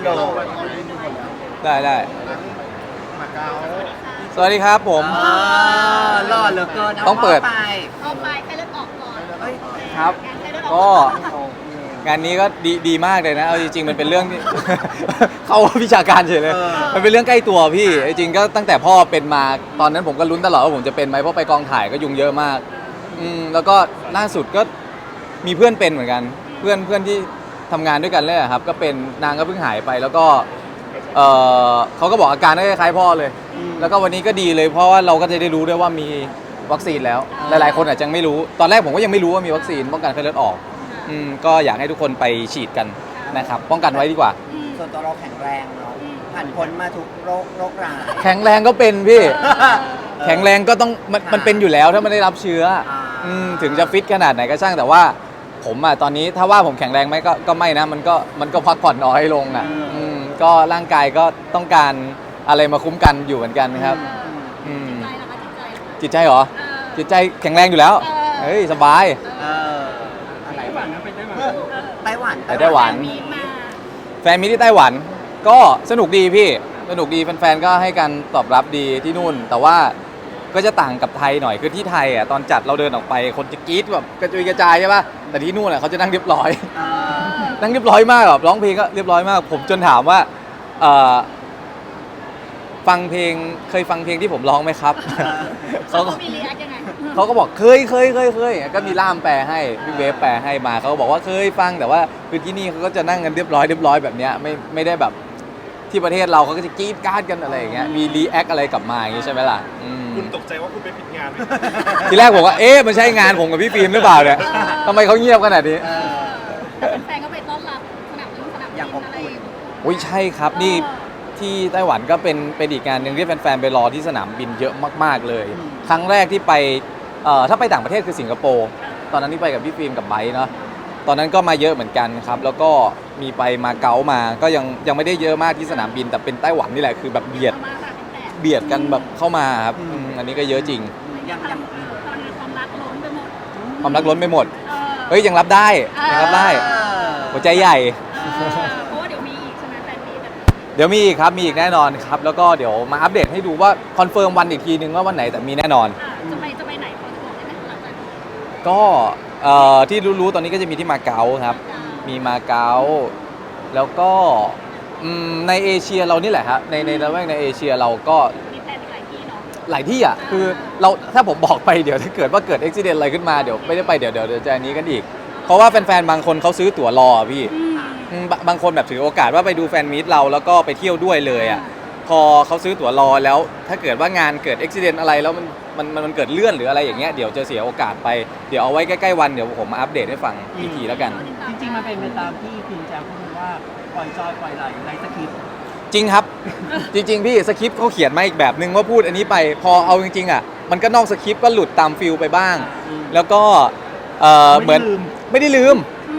โหลดได้มาเก๊าสวัสดีครับผมหล่อเหลือเกินต้องเปิดเอาไปแค่เลือดออกก่อนเอ้ยครับแค่เลือดออกก็ก่อนงานนี้ก็ดีมากเลยนะเอาจริงๆมันเป็นเรื่องที่ เข้าวิชาการเฉยเลยมันเป็นเรื่องใกล้ตัวพี่จริงๆก็ตั้งแต่พ่อเป็นมาตอนนั้นผมก็ลุ้นตลอดว่าผมจะเป็นไหมเพราะไปกองถ่ายก็ยุงเยอะมากแล้วก็ล่าสุดก็มีเพื่อนเป็นเหมือนกันเพื่อนที่ทำงานด้วยกันเลยอะครับก็เป็นนางก็เพิ่งหายไปแล้วก็เขาก็บอกอาการคล้ายๆพ่อเลย แล้วก็วันนี้ก็ดีเลยเพราะว่าเราก็จะได้รู้ด้วยว่ามีวัคซีนแล้วหลายๆคนอาจจะไม่รู้ตอนแรกผมก็ยังไม่รู้ว่ามีวัคซีนป้องกันไข้เลือดออกก็อยากให้ทุกคนไปฉีดกันนะครับป้องกันไว้ดีกว่าส่วนตัวเราแข็งแรงเนาะผ่านพ้นมาทุกโรคร้ายแข็งแรงก็เป็นพี่ แข็งแรงก็ต้องมันเป็นอยู่แล้วถ้ามันได้รับเชื้อถึงจะฟิตขนาดไหนก็ช่างแต่ว่าผมอะตอนนี้ถ้าว่าผมแข็งแรงไหมก็ไม่นะมันก็พักผ่อนน้อยลงอะก็ร่างกายก็ต้องการอะไรมาคุ้มกันอยู่เหมือนกันครับใจเหรอคะใจจิตใจเหรอจิตใจแข็งแรงอยู่แล้วเฮ้ยสบายอะไรไต้หวันนะไปไต้หวันไต้หวันไปไต้หวันมีมาแฟนมิตรที่ไต้หวันก็สนุกดีพี่สนุกดีแฟนๆก็ให้การตอบรับดีที่นู่น แต่ว่าก็จะต่างกับไทยหน่อยคือที่ไทยอ่ะตอนจัดเราเดินออกไปคนจะกรี๊ดแบบกระจุยกระจายใช่ป่ะแต่ที่นู่นอ่ะเขาจะนั่งเรียบร้อย นั่งเรียบร้อยมากแบบร้องเพลงก็เรียบร้อยมาก ผมจนถามว่าฟังเพลงเคยฟังเพลงที่ผมร้องไหมครับเขาก็มีรีแอคยังไงเขาก็บอกเคยก็มีล่ามแปลให้พี่เวฟแปลให้มาเขาก็บอกว่าเคยฟังแต่ว่าคือที่นี่เขาก็จะนั่งกันเรียบร้อยแบบเนี้ยไม่ได้แบบที่ประเทศเราเขาก็จะกรี๊ดกราดกันอะไรอย่างเงี้ยมีรีแอคอะไรกลับมาอย่างงี้ใช่ไหมล่ะคุณตกใจว่าคุณไปผิดงานไหมทีแรกผมว่ามันใช่งานผมกับพี่ฟิล์มหรือเปล่าเนี่ยทำไมเขาเงียบขนาดนี้แต่แฟนๆก็ไปต้อนรับสนามบินอะไรอุ้ยใช่ครับนี่ที่ไต้หวันก็เป็นอีกงานหนึ่งที่แฟนๆไปรอที่สนามบินเยอะมากๆเลย ครั้งแรกที่ไปถ้าไปต่างประเทศคือสิงคโปร์ตอนนั้นที่ไปกับพี่ฟิล์มกับไบร์ทเนาะตอนนั้นก็มาเยอะเหมือนกันครับแล้วก็มีไปมาเก๊ามาก็ยังไม่ได้เยอะมากที่สนามบินแต่เป็นไต้หวันนี่แหละคือแบบเบียดกันแบบเข้ามาครับอันนี้ก็เยอะจริงยังตอนนี้ความรักล้นไปหมดความรักล้นไปหมดเฮ้ยยังรับได้หัวใจใหญ่เพราะว่าเดี๋ยวมีอีกใช่ไหมแฟนมีแบบเดี๋ยวมีอีกครับมีอีกแน่นอนครับแล้วก็เดี๋ยวมาอัปเดตให้ดูว่าคอนเฟิร์มวันอีกทีนึงว่าวันไหนแต่มีแน่นอนจะไปไหนพอจะบอกได้ไหมหลังจากนี้ก็ที่รู้ๆตอนนี้ก็จะมีที่มาเก๊าครับมีมาเก๊าแล้วก็ในเอเชียเรานี่แหละครับในละแวกในเอเชียเราก็มีแฟนอีกหลายที่เนาะหลายที่อ่ะคือเราถ้าผมบอกไปเดี๋ยวถ้าเกิดว่าเกิดอุบิเหตุอะไรขึ้นมาเดี๋ยวไม่ได้ไปเดี๋ยวจะอันนี้กันอีกเพราะว่าแฟนๆบางคนเขาซื้อตั๋วรอพี่บางคนแบบถือโอกาสว่าไปดูแฟนมีตเราแล้วก็ไปเที่ยวด้วยเลยอ่ะพอเขาซื้อตั๋วรอแล้วถ้าเกิดว่างานเกิดอุบิเหตุอะไรแล้วมันเกิดเลื่อนหรืออะไรอย่างเงี้ยเดี๋ยวจะเสียโอกาสไปเดี๋ยวเอาไว้ใกล้ๆวันเดี๋ยวผมมาอัปเดตให้ฟังอีกทีแล้วกันจริงๆมันเป็นไปตามที่พิมแจมพูดว่าปล่อยจอยปล่อยไหลในสคริปต์จริงครับ จริงๆพี่สคริปต์เขาเขียนมาอีกแบบนึงว่าพูดอันนี้ไปพอเอาจริงๆอ่ะมันก็นอกสคริปต์ก็หลุดตามฟิลไปบ้าง แล้วก็เหมือนไม่ได้ลืม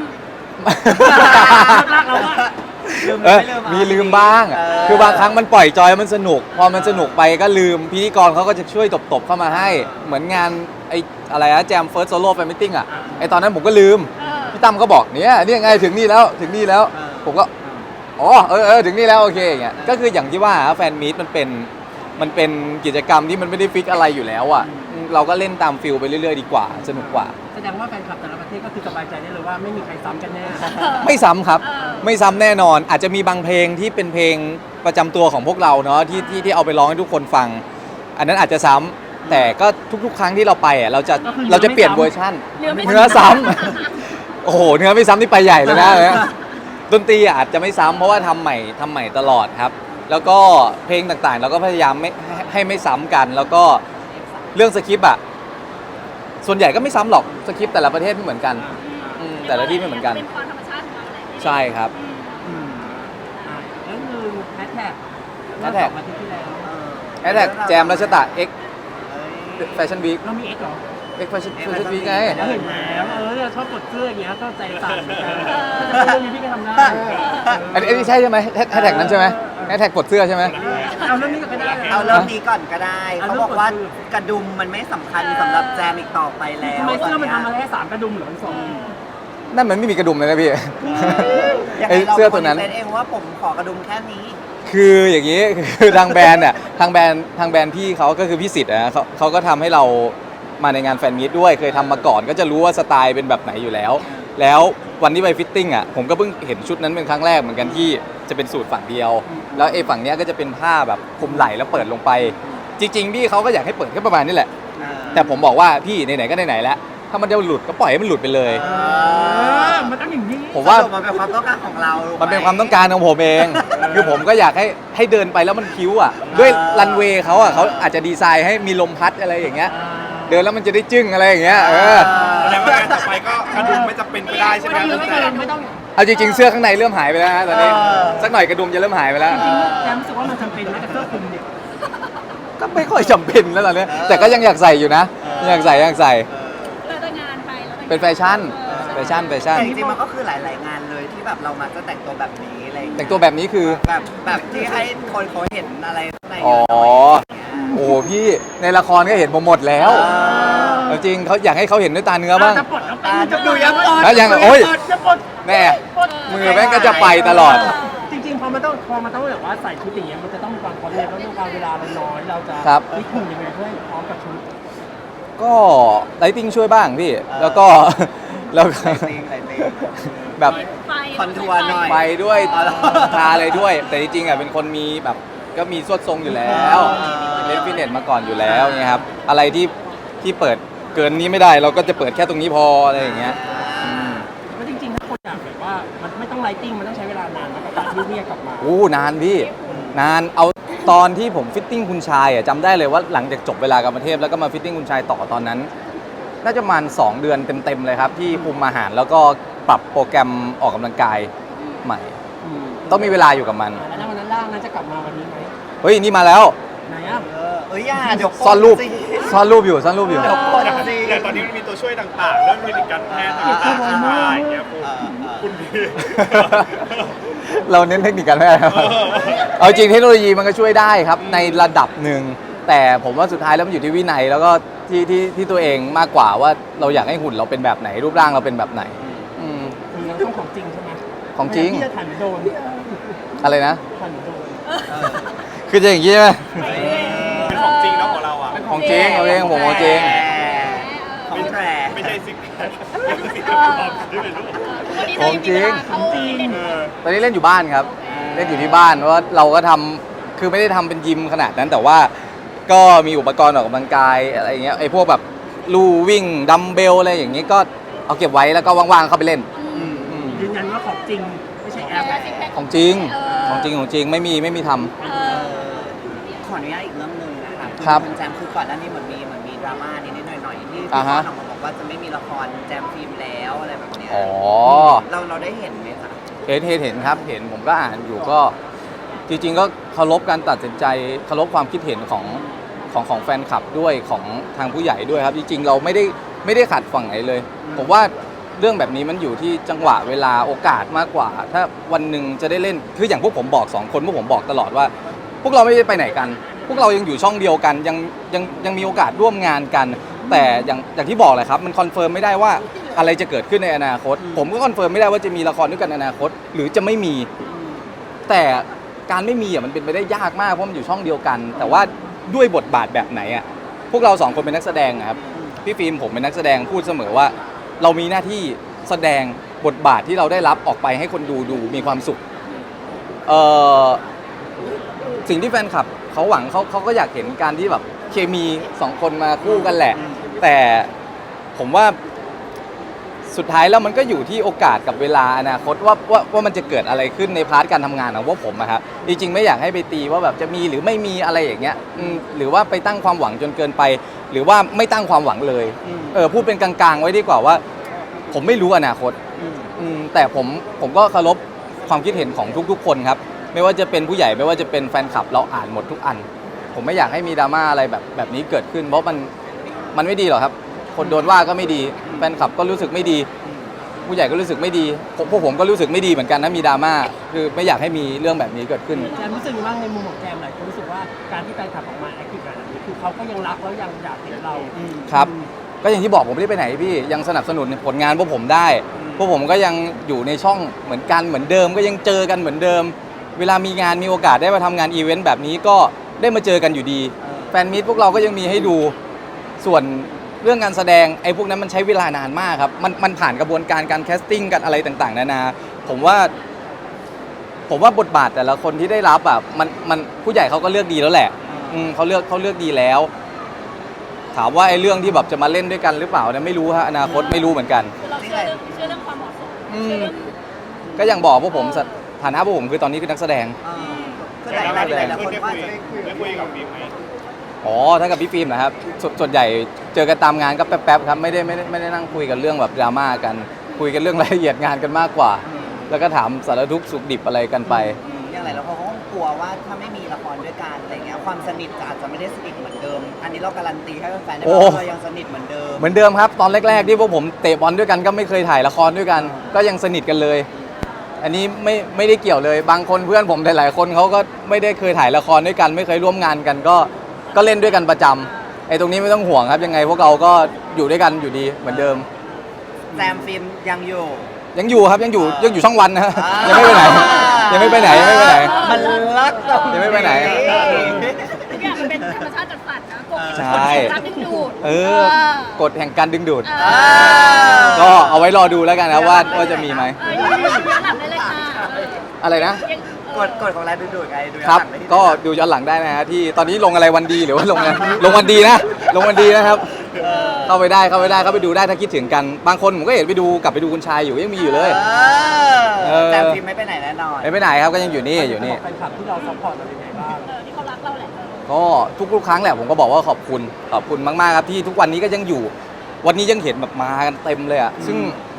มีลืมบ้างคือบางครั้งมันปล่อยจอยมันสนุกพอมันสนุกไปก็ลืมพิธีกรเขาก็จะช่วยตบๆเข้ามาให้เหมือนงานไอ้อะไรนะแจมเฟิร์สโซโล่แฟนมิทติ้งอ่ะไอ้ตอนนั้นผมก็ลืมพี่ตั้มก็บอกเนี่ยไงถึงนี่แล้วผมก็อ๋อถึงนี่แล้วโอเคอย่างเงี้ยก็คืออย่างที่ว่าแฟนมีตมันเป็นกิจกรรมที่มันไม่ได้ฟิกอะไรอยู่แล้วอ่ะเราก็เล่นตามฟิลไปเรื่อยๆดีกว่าสนุกกว่าแสดงว่าแฟนคลับแต่ละประเทศก็คือสบายใจได้เลยว่าไม่มีใครซ้ำกันแน่ไม่ซ้ำครับไม่ซ้ำแน่นอนอาจจะมีบางเพลงที่เป็นเพลงประจำตัวของพวกเราเนาะที่เอาไปร้องให้ทุกคนฟัง อันนั้นอาจจะซ้ำแต่ก็ทุกๆครั้งที่เราไปอ่ะเราจะเปลี่ยนเวอร์ชั่นเนื้อซ้ำโอ้โหเนื้อไม่ซ้ำนี่ไปใหญ่เลยนะดนตรีอาจจะไม่ซ้ำเพราะว่าทำใหม่ตลอดครับแล้วก็เพลงต่างๆเราก็พยายามไม่ซ้ำกันแล้วก็เรื่องสคริปต์อ่ะส่วนใหญ่ก็ไม่ซ้ำหรอกสคริปต์แต่ละประเทศไม่เหมือนกันแต่ละที่ไม่เหมือนกันเป็นความธรรมชาติของเราแหละใช่ครับแล้วคือแฮชแท็กแฮชแท็กอาทิตย์ที่แล้วแฮชแท็กแจมรัชตะ X Fashion Week เรามีเอ็กซ์เหรอ X Fashion Week ไงแล้วเห็นแล้วเราชอบกดเสื้ออย่างเงี้ยก็ใจสั่นเหมือนกันเรื่องนี้พี่ก็ทำได้อันนี้ใช่ไหมแฮชแท็กนั้นใช่ไหมแฮชแท็กปลดเสื้อใช่ไหมเอาเรื่องนี้ก็ได้เอาเริ่มนี้ก่อนก็ได้เขาบอกว่ากระดุมมันไม่สำคัญสำหรับแจมอีกต่อไปแล้วทำไมเสื้อมันทำมาแค่3กระดุมเหรอ2 นั่นมันไม่มีกระดุมเลยนะพี่ยังไอ้ไงเราเสื้อตัวนั้นคอเองว่าผมขอกระดุมแค่นี้คืออย่างนี้ คือทางแบรนด์เนี่ยทางแบรนด์พี่เขาก็คือพี่สิทธิ์นะเขาก็ทำให้เรามาในงานแฟนมีตด้วยเคยทำมาก่อนก็จะรู้ว่าสไตล์เป็นแบบไหนอยู่แล้ว แล้ววันที่ไปฟิตติ้งอ่ะผมก็เพิ่งเห็นชุดนั้นเป็นครั้งแรกเหมือนกันที่จะเป็นสูตรฝั่งเดียว แล้วไอ้ฝั่งเนี้ยก็จะเป็นผ้าแบบคลุมไหล่แล้วเปิดลงไป จริงๆพี่เขาก็อยากให้เปิดแค่ประมาณนี้แหละ แต่ผมบอกว่าพี่ไหนๆก็ไหนๆแล้วถ้ามันจะหลุดก็ปล่อยให้มันหลุดไปเลยมันต้องอย่างนี้ผมว่าสรุปมันเป็นความต้องการของเรารู้ไหมันเป็นความต้องการของผมเอง คือผมก็อยากให้เดินไปแล้วมันคิ้วอ่ะ ด้วยรันเวย์เขาอ่ะเขาอาจจะดีไซน์ให้มีลมพัดอะไรอย่างเงี้ย เดินแล้วมันจะได้จึ้งอะไรอย่างเงี้ยแสดงว่างานต่อไปก็กระดุมไม่จำเป็นก็ได้ใช่ไหมไม่ต้องเอาจริงๆเสื้อข้างในเริ่มหายไปแล้วนะตอนนี้ สักหน่อยกระดุมจะเริ่มหายไปแล้วจริงๆแจมรู้สึกว่ามันจำเป็นไหมกับเสื้อคลุมเนี่ยก็ไม่ค่อยจำเป็นแล้วตอนนี้ แต่ก็ยังอยากใส่อยู่นะยังอยากใส่เราจะงานไปเราจะเป็นแฟชั่น แฟชั่นแต่จริงๆมันก็คือหลายๆงานเลยที่แบบเรามาจะแต่งตัวแบบนี้อะไรอย่างแต่เงี้ยงตัวแบบนี้คือแบบที่ให้คนเขาเห็นอะไรข้างในอ๋อเยอะหน่อยโอ้โหพี่ในละครก็เห็นผมหมดแล้วเอาจริงเขาอยากให้เขาเห็นด้วยตาเนื้อบ้างจะปลดแล้วจะดูยังปลดแล้วยังโอ้ยจะปลดแน่มือแม่งก็จะไปตลอดจริงๆพอมันต้องแบบว่าใส่ชุดอย่างเงี้ยมันจะต้องมีความพร้อมเนี่ยเพราะด้วยความเวลามันน้อยเราจะครับฟิตหุ่นยังไงเพื่อให้พร้อมกับชุดก็ไลติ้งช่วยบ้างพี่ แล้วก็ แล้วก็ไหลติงแบบไฟคอนทัวร์หน่อยไปด้วยอ๋อเหรอทาอะไรด้วย แต่จริงๆอ่ะเป็นคนมีแบบก็มีสวดทรงอยู่แล้ว เล่นฟิตเนสมาก่อนอยู่แล้วเนี่ยครับอะไรที่เปิดเกินนี้ไม่ได้ เราก็จะเปิดแค่ตรงนี้พออะไรอย่างเงี้ยแล้วจริงๆถ้าคนอยากแบบว่ามันไม่ต้องไลติ้งมันต้องใช้เวลานานนะกับการที่เนี่ยกลับมาอู้นานพี่นานเอาตอนที่ผมฟิตติ้งคุณชายอ่ะจำได้เลยว่าหลังจากจบเวลากรรมเทพแล้วก็มาฟิตติ้งคุณชายต่อตอนนั้น น่าจะประมาณ2 เดือนเต็มๆเลยครับที่คุมอาหารแล้วก็ปรับโปรแกรมออกกำลังกายใหม่ ต้องมีเวลาอยู่กับมันแล้ววันนั้นล่างนั้นจะกลับมาวันนี้ไหมเฮ้ยนี่มาแล้วไหนอ่ะอย่าเดี๋ยวซ่อนรูปสิซ่อนรูปอยู่ซ่อนรูปอยู่เดี๋ยวปลดสิอย่างตอนนี้มันมีตัวช่วยต่างๆเรื่องเทคนิคการแพทย์ต่างๆใช่ไหมอย่างเงี้ยคุณพี่เราเน้นเทคนิคการแพทย์ครับเอาจริงเทคโนโลยีมันก็ช่วยได้ครับในระดับหนึ่งแต่ผมว่าสุดท้ายแล้วมันอยู่ที่วินัยแล้วก็ที่ตัวเองมากกว่าว่าเราอยากให้หุ่นเราเป็นแบบไหนรูปร่างเราเป็นแบบไหนอืมคือเราต้องของจริงใช่ไหมของจริงที่จะถ่ายหรือโดนอะไรนะถ่ายหรือโดนคือจะอย่างนี้ใช่ไหมเป็นของจริงเนาะของเราอ่ะของจริงเอาเองผมของจริงของแท้ไม่ใช่สิ่งแรกไม่ใช่สิ่งที่เป็นของที่เป็นรูปวันนี้เรายังมีเวลาเข้าฟิตเนสตอนนี้เล่นอยู่บ้านครับ เล่นอยู่ที่บ้านเพราะว่าเราก็ทำคือไม่ได้ทำเป็นยิมขนาดนั้นแต่ว่าก็มีอุปกรณ์ออกกำลังกายอะไรอย่างเงี้ยไอ้พวกแบบลู่วิ่งดัมเบลอะไรอย่างเงี้ยก็เอาเก็บไว้แล้วก็ว่างๆเข้าไปเล่นยืนยันว่าของจริงไม่ใช่แอปของจริงของจริงไม่มีทำขออนุญาตอีกเรื่องหนึ่งนะคะครับณแจมคือก่อนหน้านี้เหมือนมีดราม่านิดๆหน่อยๆที่พี่อ่าพ่อฮะออกมาบอกว่าจะไม่มีละครแจมฟิล์มแล้วอะไรแบบเนี้ยอ๋อเราได้เห็นไหมคะเห็นครับเห็นผมก็อ่านอยู่ก็จริงๆก็เคารพการตัดสินใจเคารพความคิดเห็นของแฟนคลับด้วยของทางผู้ใหญ่ด้วยครับจริงๆเราไม่ได้ขัดฝั่งไหนเลย ผมว่าเรื่องแบบนี้มันอยู่ที่จังหวะเวลาโอกาสมากกว่า ถ้าวันหนึ่งจะได้เล่นคืออย่างพวกผมบอก2 คนพวกผมบอกตลอดว่า พวกเราไม่ได้ไปไหนกัน พวกเรายังอยู่ช่องเดียวกันยังมีโอกาสร่วมงานกัน แต่อย่างที่บอกเลยครับมันคอนเฟิร์มไม่ได้ว่าอะไรจะเกิดขึ้นในอนาคต ผมก็คอนเฟิร์มไม่ได้ว่าจะมีละครด้วยกันในอนาคต หรือจะไม่มี แต่การไม่มีอ่ะมันเป็นไปได้ยากมากเพราะมันอยู่ช่องเดียวกัน แต่ว่าด้วยบทบาทแบบไหนอ่ะพวกเรา2 คนเป็นนักแสดงอะครับพี่ฟิล์มผมเป็นนักแสดงพูดเสมอว่า เรามีหน้าที่แสดงบทบาทที่เราได้รับออกไปให้คนดูมีความสุขสิ่งที่แฟนคลับเขาหวังเขาก็อยากเห็นการที่แบบเคมี2 คนมาคู่กันแหละ แต่ผมว่าสุดท้ายแล้วมันก็อยู่ที่โอกาสกับเวลาอนาคตว่ามันจะเกิดอะไรขึ้นในพาร์ทการทำงานของพวกผมอะครับจริงๆไม่อยากให้ไปตีว่าแบบจะมีหรือไม่มีอะไรอย่างเงี้ยหรือว่าไปตั้งความหวังจนเกินไป หรือว่าไม่ตั้งความหวังเลยพูดเป็นกลางๆไว้ดีกว่าว่า ผมไม่รู้อนาคตแต่ผมก็เคารพความคิดเห็นของทุกๆคนครับไม่ว่าจะเป็นผู้ใหญ่ไม่ว่าจะเป็นแฟนคลับเราอ่านหมดทุกอัน ผมไม่อยากให้มีดราม่าอะไรแบบนี้เกิดขึ้น เพราะมันไม่ดีหรอกครับ คนโดนว่าก็ไม่ดีแฟนคลับก็รู้สึกไม่ดี ผู้ใหญ่ก็รู้สึกไม่ดีพวกผมก็รู้สึกไม่ดีเหมือนกันนะมีดราม่าคือไม่อยากให้มีเรื่องแบบนี้เกิดขึ้นแจมรู้สึกว่าในมุมของแจมหลายคนรู้สึกว่าการที่แฟนคลับออกมาแอคทีฟแบบนี้คือเขาก็ยังรักแล้วยังอยากเห็นเราครับ ก็อย่างที่บอกผมไม่ได้ไปไหนพี่ยังสนับสนุนผลงานพวกผมได้พวกผมก็ยังอยู่ในช่องเหมือนกันเหมือนเดิมก็ยังเจอกันเหมือนเดิม เวลามีงานมีโอกาสได้มาทำงานอีเวนต์แบบนี้ก็ได้มาเจอกันอยู่ดี แฟนมีตพวกเราก็ยังมีให้ดูส่วนเรื่องงานแสดงไอ้พวกนั้นมันใช้เวลานานมากครับมันผ่านกระบวนการแคสติ้งกันอะไรต่างๆนานาผมว่าบทบาทแต่ละคนที่ได้รับอ่ะมันผู้ใหญ่เขาก็เลือกดีแล้วแหละเขาเลือกดีแล้ว ถามว่าไอ้เรื่องที่แบบจะมาเล่นด้วยกันหรือเปล่าเนี่ยไม่รู้ฮะอนาคตไม่รู้เหมือนกันคือเราเชื่อเรื่องความเหมาะสมเชื่อเรื่องก็อย่างบอกพวกผมฐานะพวกผมคือตอนนี้คือนักแสดงก็หลายๆคนได้ว่าจะได้คุยคุยกับบิ๊กไหมอ๋อถ้ากับพี่ฟิล์มนะครับส่วนใหญ่เจอกันตามงานก็แป๊บๆครับไม่ได้นั่งคุยกันเรื่องแบบดราม่ากันคุยกันเรื่องรายละเอียดงานกันมากกว่า แล้วก็ถามสารทุกข์สุขดิบอะไรกันไปอย่างไรแล้วเขาก็กลัวว่าถ้าไม่มีละครด้วยกันอะไรเงี้ยความสนิทอาจจะไม่ได้สนิทเหมือนเดิม อันนี้เราการันตีให้แฟนๆได้ว่าเรายังสนิทเหมือนเดิมเหมือนเดิมครับตอนแรกๆที่พวกผมเตะบอลด้วยกันก็ไม่เคยถ่ายละครด้วยกัน ก็ยังสนิทกันเลย อันนี้ไม่ได้เกี่ยวเลยบางคนเพื่อนผมหลายๆคนเขาก็ไม่ได้เคยถ่ายละครด้วยกัน ไม่เคยร่วมงานกันก็เล่นด้วยกันประจำไอ้ตรงนี้ไม่ต้องห่วงครับยังไงพวกเราก็อยู่ด้วยกันอยู่ดีเหมือนเดิมแซมฟิล์มยังอยู่ยังอยู่ครับยังอยู่ช่องวันนะฮะยังไม่ไปไหนยังไม่ไปไหนมันรักตรงยังไม่ไปไหนทุกอย่างมันเป็นธรรมชาติจัดสรรนะกฎใช่รักดึงดูดกฎแห่งการดึงดูดเออก็เอาไว้รอดูแล้วกันนะว่าจะมีไหมย้อนหลังได้เลยค่ะอะไรนะกดของแรงดูดไงดูครับก็ดูย้อนหลังได้นะฮะที่ตอนนี้ลงอะไรวันดีหรือว่าลงอะไรลงวันดีนะลงวันดีนะครับ เข้าไปเข้าไปดูได้ถ้าคิดถึงกันบางคนผมก็เห็นกลับไปดูคุณชายอยู่ยังมีอยู่เลยแซมฟิล์มไม่ไปไหนแน่นอนไม่ไปไหนครับก็ยังอยู่นี่แฟนคลับที่เราซัพพอร์ตเราเป็นไงบ้างที่เขารักเราแหละก็ทุกครั้งแหละผมก็บอกว่าขอบคุณมากๆครับที่ทุกวันนี้ก็ยังอยู่ วันนี้ยังเห็นแบบมากันเต็มเลยอ่ะซึ่ง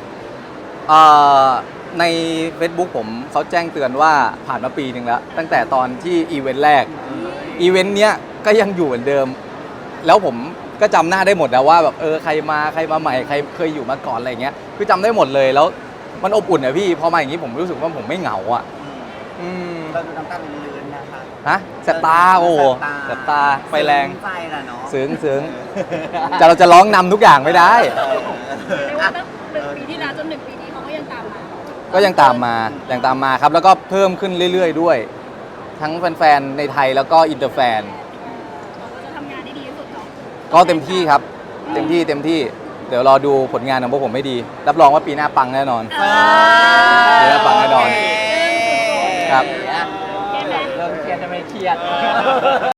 ใน Facebook ผมเขาแจ้งเตือนว่าผ่านมาปีหนึ่งแล้วตั้งแต่ตอนที่อีเวนต์แรกอีเวนต์เนี้ยก็ยังอยู่เหมือนเดิม แล้วผมก็จำหน้าได้หมดนะว่าแบบใครมาใหม่ใครเคยอยู่มาก่อนอะไรเงี้ยคือจำได้หมดเลยแล้วมันอบอุ่นอะพี่พอมาอย่างนี้ผมรู้สึกว่าผมไม่เหงาอ่ะเราดูน้ำตาลื้นๆนะคะฮะแสบตาโอ้โหแสบตาไฟแรงใจละเนาะซึ้งแต่เราจะร้องนำทุกอย่างไม่ได้เรียกว่าตั้ง1 ปีที่แล้วจน1 ปีนี้เขาก็ยังตามมาก็ยังตามมาครับแล้วก็เพิ่มขึ้นเรื่อยๆด้วย ทั้งแฟนๆในไทยแล้วก็อินเตอร์แฟนเราจะทำงานได้ดีที่สุดเนาะก็เต็มที่ครับเต็มที่เดี๋ยวรอดูผลงานของพวกผมไม่ดี รับรองว่าปีหน้าปังแน่นอน เดี๋ยวปังแน่นอน ครับเริ่มเครียดจะไม่เครียด